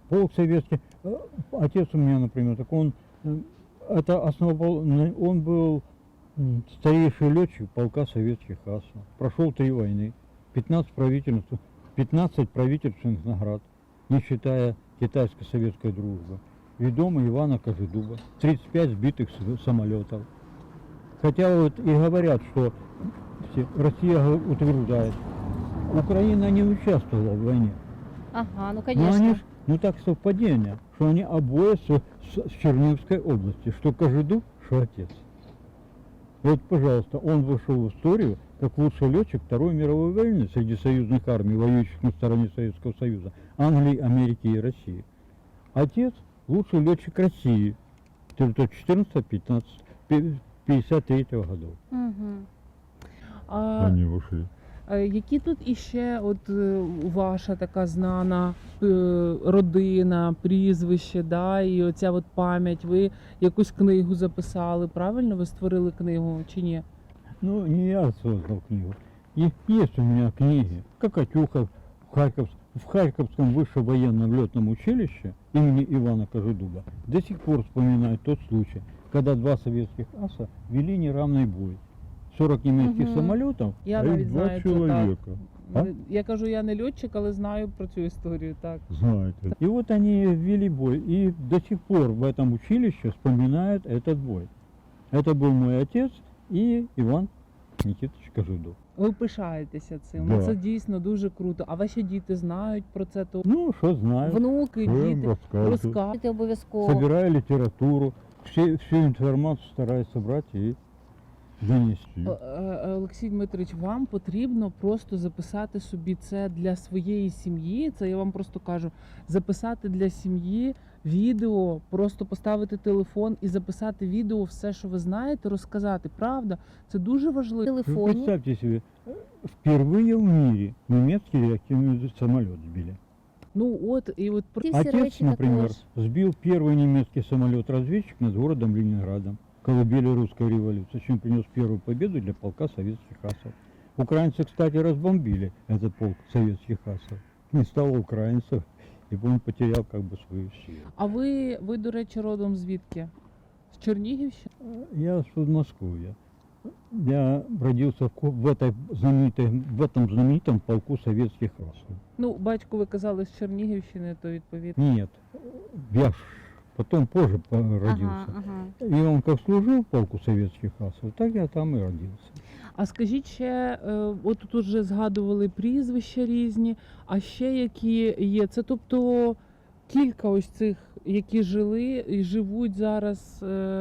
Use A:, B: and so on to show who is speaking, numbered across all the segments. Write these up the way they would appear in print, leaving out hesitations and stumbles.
A: полк советский. Отец у меня, например, так он это основал, он был старейший летчик полка советских асов. Прошел 3 войны, 15 правительственных наград, не считая китайско-советской дружбы. Ведомый Ивана Кожедуба, 35 сбитых самолетов. Хотя вот и говорят, что Россия утверждает, Украина не участвовала в войне.
B: Ага, ну
A: Но
B: конечно.
A: они так совпадение, что они обои с Черниговской области, что Кожедуб, что отец. Вот, пожалуйста, он вошел в историю как лучший летчик Второй мировой войны среди союзных армий, воюющих на стороне Советского Союза, Англии, Америки и России. Отец лучший летчик России 14-53 годов.
B: Угу.
A: Они вошли.
C: Які тут іще от ваша така знана родина, прізвище, да, і оця от пам'ять, ви якусь книгу записали, правильно? Ви створили книгу чи ні?
A: Ну, не я создал книгу. И есть у меня книги. Кокатюха в Харьковском высшем военном летном училище имени Ивана Кожедуба до сих пор вспоминают тот случай, когда 2 советских аса вели неравный бой. 40 немецких самолетов,
C: Я
A: а
C: навіть
A: их 2
C: знаю це,
A: человека. А?
C: Я кажу, я не льотчик, але знаю про цю історію, так.
A: Знаете. И вот они вели бой. И до сих пор в этом училище вспоминают этот бой. Это был мой отец и Иван Никитович Кожедуб.
C: Ви пишаєтеся цим,
A: Да.
C: це дійсно дуже круто. А ваші діти знають про це, то
A: Ну, что знаю.
C: внуки,
A: Що їм
C: діти
A: розказую.
C: розказують.
B: Ти обов'язково.
A: Собираю литературу, всю информацию стараюсь собрать и донести.
C: Олексій Дмитрович, вам потрібно просто записати собі це для своєї сім'ї. Це я вам просто кажу, записати для сім'ї відео, просто поставити телефон і записати відео, все, що ви знаєте, розказати. Правда, це дуже
B: В
C: важливо.
A: Вы
B: телефоні.
A: представьте себе, впервые в мире немецкий реактивный самолет сбили.
C: Ну от і от
B: Ті всі
A: Отец,
B: речі
A: например,
B: також.
A: сбил первый немецкий самолет-разведчик над городом Ленинградом, колыбели русской революции, чем принес первую победу для полка советских асов. Украинцы, кстати, разбомбили этот полк советских асов. Не стало украинцев, и он потерял как бы свою силу.
C: А ви, до речі, родом звідки? З Чернігівщини?
A: Я с Подмосковья. Я родился в этом знаменитом полку советских асов.
C: Ну, батько ви казали з Чернігівщини, то відповідно.
A: Нет, я потом позже родился.
B: Ага, ага.
A: И он как служил в полку советских асов, так я там и родился.
C: А скажіть ще, от тут вже згадували прізвища різні, а ще які є? Це тобто кілька ось цих, які жили і живуть зараз,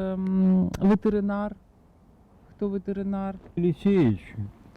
C: ветеринар. Хто ветеринар?
A: Елисеевич.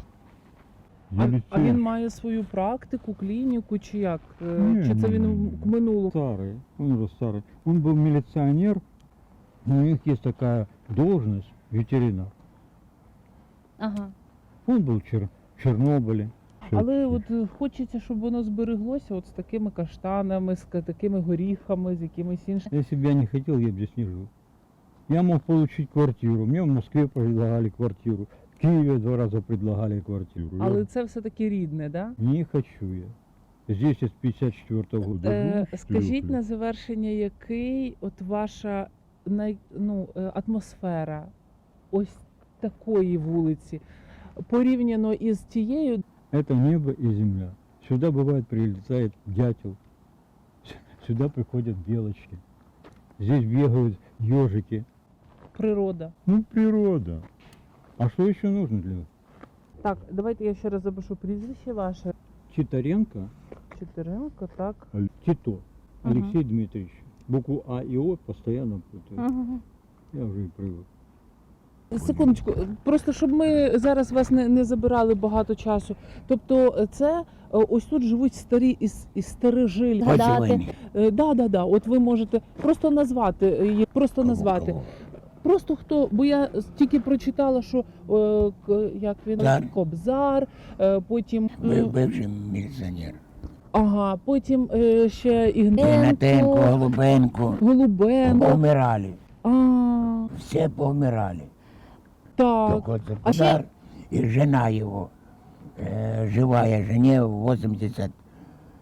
C: А він має свою практику, клініку чи як?
A: Ні,
C: Чи це
A: ні,
C: він
A: ні.
C: в минулому?
A: Старый, он уже старый. Он был милиционер, но у них есть такая должность ветеринар.
B: Ага.
A: Он был в Чернобыле.
C: Але от хочеться, щоб воно збереглося от з такими каштанами, з такими горіхами, з якимись іншими.
A: Если бы я не хотел, я бы здесь не жил. Я мог получить квартиру. Мне в Москве предлагали квартиру. В Киеве 2 раза предлагали квартиру.
C: Але
A: Я
C: це все-таки рідне, да?
A: не хочу я. Здесь я с 54 года. живу,
C: Скажіть
A: люблю.
C: на завершення, який от ваша атмосфера ось такої вулиці порівняно із тією?
A: Это небо и земля. Сюда бывает прилетает дятел. Сюда приходят белочки. Здесь бегают ежики.
C: Природа.
A: Ну, природа. А что еще нужно для вас?
C: Так, давайте я ще раз запишу прізвище ваше.
A: Титаренко,
C: Чотиренко, так.
A: Тито,
B: Ага.
A: Алексей Дмитриевич. Букву А и О постоянно путаю.
B: Ага.
A: Я уже и привык.
C: Секундочку, просто щоб ми зараз вас не забирали багато часу. Тобто це ось тут живуть старі і старожилі.
B: Гадати.
C: Да. От ви можете просто назвати її, просто назвати. Просто хто, бо я тільки прочитала, що як він
D: Кобзар.
C: Кобзар, потім
D: Бивший міліціонер.
C: ага, потім ще
D: Ігнатенко, Голубенко.
C: Голубенко.
D: Повмирали.
C: А,
D: Все повмирали.
C: так.
D: Только це
C: А ще
D: Кобзар і жена його. Живая жене 80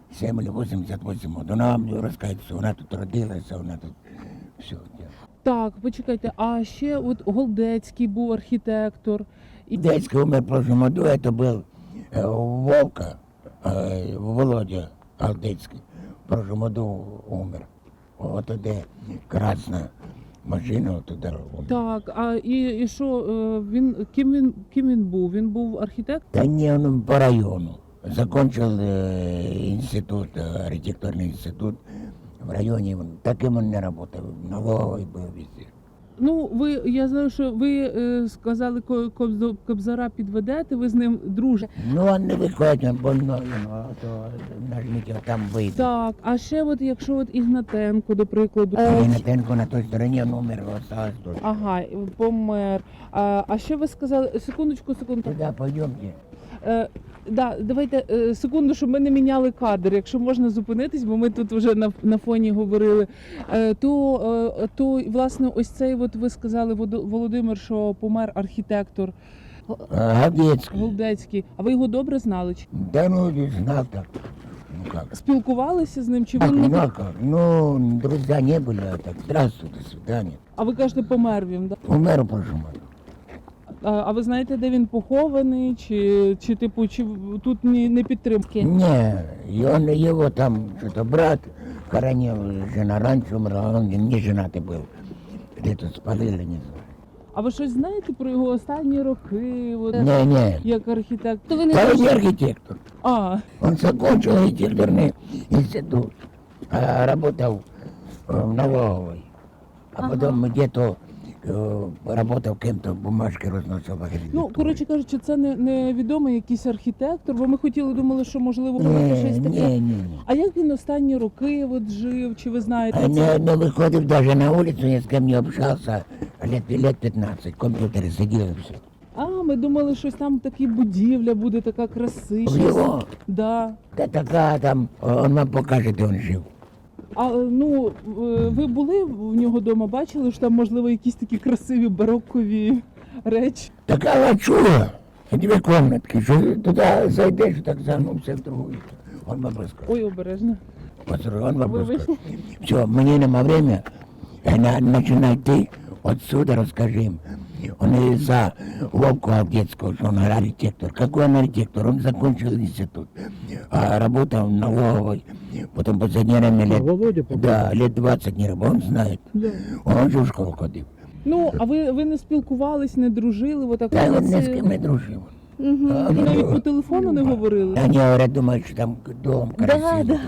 D: 7 или 88 років. Вона мені розказує, що вона тут родилася, вона тут все.
C: Так, почекайте, а ще от Голдецький був архітектор. І...
D: Дядька умер в прошлом году, это был Вовка, Володя Алдецкий. В прошлом году умер. Вот туди красна машина, вот туди умер.
C: Так, а і що, ким він був? Він був архітектор?
D: Да не, он по району. Закончил институт, архитектурный институт в районе. Таким он не работал, налоговый был везде.
C: Ну, я знаю, що ви сказали, Кобзара підведете, ви з ним дружите.
D: Ну, он не виходить, он больной, а то нажмите, там вийде.
C: Так, а ще от, якщо от Ігнатенко, до прикладу.
D: Ігнатенко на той стороні, он умер, осталось тут.
C: Ага, помер. А ще ви сказали, секундочку.
D: Туда пойдемте.
C: Да, давайте секунду, щоб ми не міняли кадр, якщо можна зупинитись, бо ми тут вже на фоні говорили. То власне, ось цей, от ви сказали, Володимир, що помер архітектор
D: Гадецький.
C: Голдецький. А ви його добре знали?
D: Да ну, не знал так. Ну как?
C: Спілкувалися з ним? Чи
D: Ах,
C: він
D: ну,
C: не...
D: а как? Ну, друзья не были, а так, здравствуй, до свидания.
C: А ви кажете, помер він, да?
D: Умер в прошлом году.
C: А ви знаєте, де він похований? Чи типу, чи тут не підтримки?
D: Не, и он, его там что-то брат хоронил, жена раньше умерла, он не женатый был. Где-то спалили, не знаю.
C: А ви щось знаєте про його останні роки? От,
D: Не,
C: як архітектор?
B: То ви не
D: да он не
B: дуже-
D: архитектор. Он закончил архитектурный институт, работал в налоговой, а потом где-то работал кем-то, бумажки разносил в архитектуру.
C: Ну, коротше кажучи, це не відомий якийсь архітектор, бо ми думали, що можливо буде щось таке.
D: Не.
C: А як він останні роки от жив? Чи ви знаєте
D: А
C: це?
D: не выходил даже на улицу, ни с кем не общался, лет 15, компьютеры сидел и все.
C: А, ми думали, щось там такі будівля буде така красива.
D: Его,
C: Да.
D: да такая там, он вам покажет, где он жил.
C: А ну ви були в нього вдома, бачили, що там можливо якісь такі красиві барокові речі?
D: Такая лачуга, две комнатки, что туда зайдешь, так загнувся в другую. Он вам расскажет.
C: Ой, обережно.
D: Он вам
C: Вы
D: расскажет. Все, мне нема время, начинай ты, отсюда расскажи им. Он из-за Вовку Алдецкого, что он архитектор. Какой он архитектор? Он закончил институт, работал в налоговой, потом последнее время
A: Володя попал?
D: да, лет 20 не работал, он знает.
A: Да.
D: Он же в школу ходил.
C: Ну, а ви не спілкувались, не дружили? Отак
D: Да,
C: от
D: он ни с
C: це-
D: кем не дружил.
C: І навіть по телефону не говорили?
D: Они говорят, думают, что там дом красивый.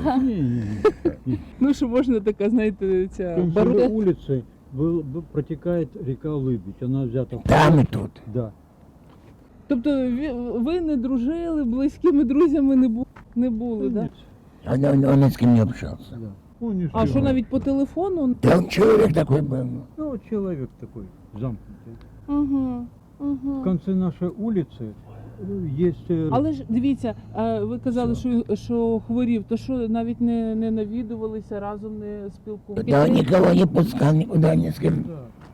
A: Не.
C: Ну, що можна така, знаєте, ця
A: Консервной
C: барока.
A: улицы протекает река Лыбедь. Она взята в
D: Там и тут.
A: Да.
C: Тобто ви не дружили, близькими друзями не були, так? Да?
D: Он ни с кем не общался.
A: Да. Он не
C: А що
A: жил.
C: навіть по телефону?
D: Да он человек такой был.
A: Ну, вот человек такой замкнутый.
B: Угу.
A: В
B: Угу.
A: конце нашей улицы есть...
C: Але ж дивіться, ви казали, що хворів, то що навіть не навідувалися, разом не спілкувалися?
D: Да он никого не пускал, никуда ни с кем.
A: Да,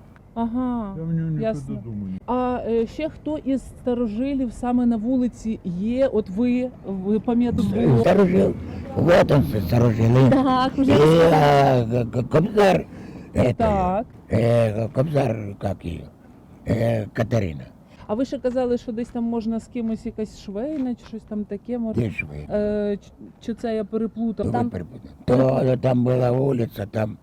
C: Ага.
A: я в него никогда
C: ясно.
A: дома не...
C: А ще хто із старожилів саме на вулиці є? От ви пам'ятаєте?
D: Старожил. Вот он, старожил.
B: Так,
D: И
B: уже
D: Кобзар,
C: Так.
D: Кобзар, как ее, Катерина.
C: А ви ще казали, що десь там можна з кимось якась швейна чи щось там таке може?
D: Где же вы?
C: Чи це я переплутав?
D: Вы
C: Там
D: перепутали. То там была улица, там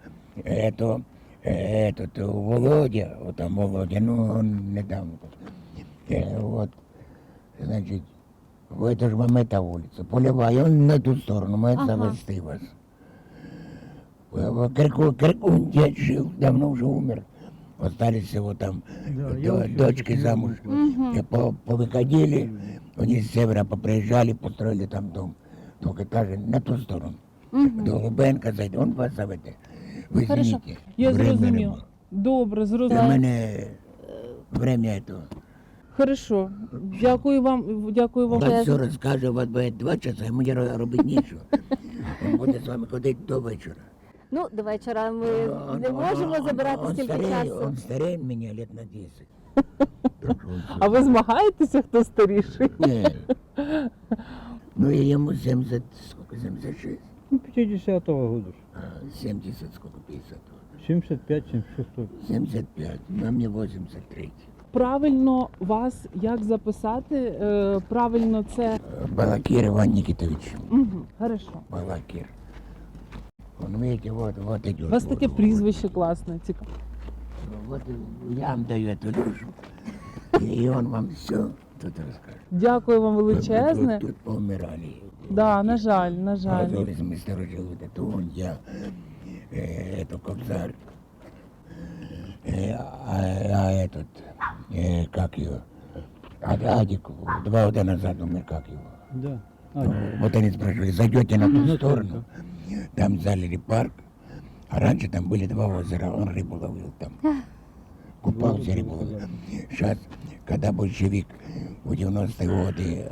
D: этот Володя, вот там Володя, ну он недавно. Вот, значит, в это же вам эта улица, Полевая, он на ту сторону, мы это
B: Ага.
D: завести вас. Крикун дед жил, давно уже умер. Остались всего там
A: Да, я вообще
D: дочки
A: не
D: замуж.
B: Мгм.
D: И повыходили, они с севера поприезжали, построили там дом. Двухэтажный, на ту сторону.
B: Мгм.
D: До Лубенка зайде, он вас заведе. Ви
B: Хорошо.
D: извините.
C: Я
D: время
C: зрозуміла.
D: нема.
C: Добре,
D: Для
C: зрозуміла.
D: мене время этого.
C: Хорошо. Дякую вам. Дякую вам.
D: Вас все розкаже, у вас буде 2 часа, а мені робити нічого. Він буде з вами ходити до вечора.
B: Ну, до вечора ми не можемо забирати стільки часу.
D: Он старее мене лет на 10.
C: А ви змагаєтеся, хто старіший?
D: Ні. Ну и ему 70, сколько, 76?
A: Ну, 50-го года. ж.
D: 70, сколько, 50?
A: 75, 76.
D: 75, а мне 83.
C: Правильно вас як записати? Правильно це.
D: Балакир Иван Никитович.
C: Угу, хорошо.
D: Балакир. Он, видите, вот идет.
C: У вас таке прізвище класне, цікаво.
D: Вот я вам даю эту душу, и он вам все тут расскажет.
C: Дякую вам величезне.
D: Тут поумирали.
C: Да, на жаль, на жаль.
D: Мы сторожили вот это он, я, это Кобзарь, а этот, как его, Адик, 2 года назад умер, как его.
A: Да.
D: Вот они спрашивали, зайдете на ту
A: Ну,
D: сторону, там залили парк, а раньше там были 2 озера, он рыбу ловил там. Купался, рыбу ловил. Сейчас, когда большевик в 90-е годы,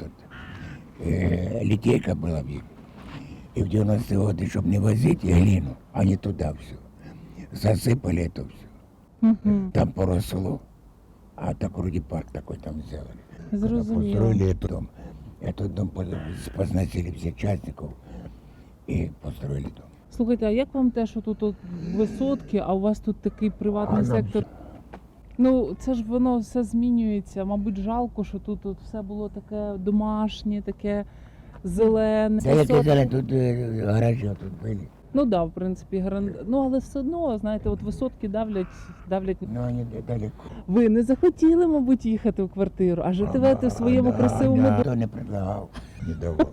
D: литейка была в них, и в 90-е годы, чтобы не возить глину, они туда все, засыпали это все.
C: Угу.
D: Там поросло, а так вроде парк такой там сделали. Когда
C: Зрозуміло.
D: построили этот дом позносили всех частников и построили дом.
C: Слухайте, а як вам те, що тут от висотки, а у вас тут такий приватний
D: А нам
C: сектор? Ну, це ж воно все змінюється. Мабуть, жалко, що тут от все було таке домашнє, таке зелене.
D: Да я
C: Висотки.
D: сказали, тут гаражи вот тут были,
C: Ну так, да, в принципі, ну але все одно, знаєте, от висотки давлять.
D: но они далеко.
C: Ви не захотіли, мабуть, їхати в квартиру, а живете в своєму
D: Да,
C: красивому
D: да,
C: домі.
D: Кто не предлагал, не давал.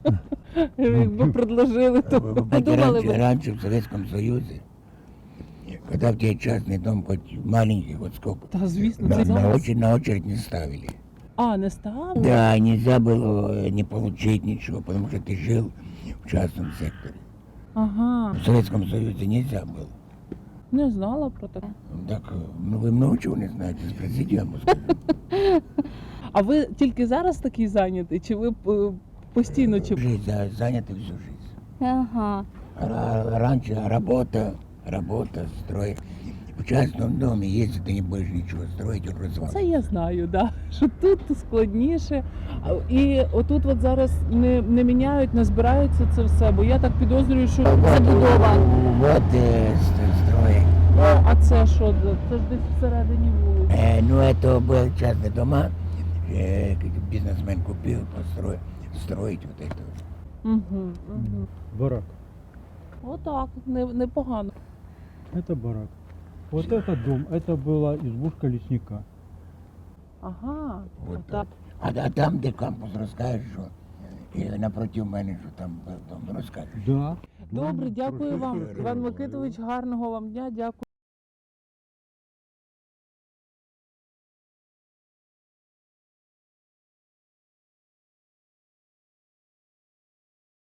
C: Якби предложили, то
D: Вы
C: подумали
D: раньше,
C: би.
D: раньше в Советском Союзе, когда в тебе частный дом хоть маленький, вот сколько,
C: Та звісно,
D: на,
C: це зараз.
D: на очередь не ставили.
C: А, не став?
D: Да, нельзя было не получить ничего, потому что ты жил в частном секторе.
C: Ага,
D: В Советском Союзе нельзя было.
C: не знала про таке.
D: Так, ну вы много чего не знаете, спросите, я вам скажу.
C: А ви тільки зараз такий зайнятий, чи ви постійно чи
D: Жизнь, заняты всю жизнь.
B: Ага.
D: Раньше работа, строй. В частном доме, если ты не будешь ничего строить, он
C: це
D: развалится.
C: я знаю, да. Що тут складніше. І отут от зараз не міняють, не збираються це все, бо я так підозрюю, що забудова.
D: Вот строй.
C: А це що? Це ж десь всередині вулиці.
D: Ну, это был частный дома, бизнесмен купил, построил, строить вот это.
C: Угу, угу.
A: Барак.
C: Отак, непогано.
A: Это барак. Вот это дом, это была избушка лесника.
C: Ага,
D: Вот
C: отак.
D: А там, где кампус, расскажешь, что и напротив мене, що там был дом, расскажешь.
A: Да.
C: Добре,
A: Ну,
C: дякую
A: хорошо.
C: вам, Іван Микитович, гарного вам дня, дякую.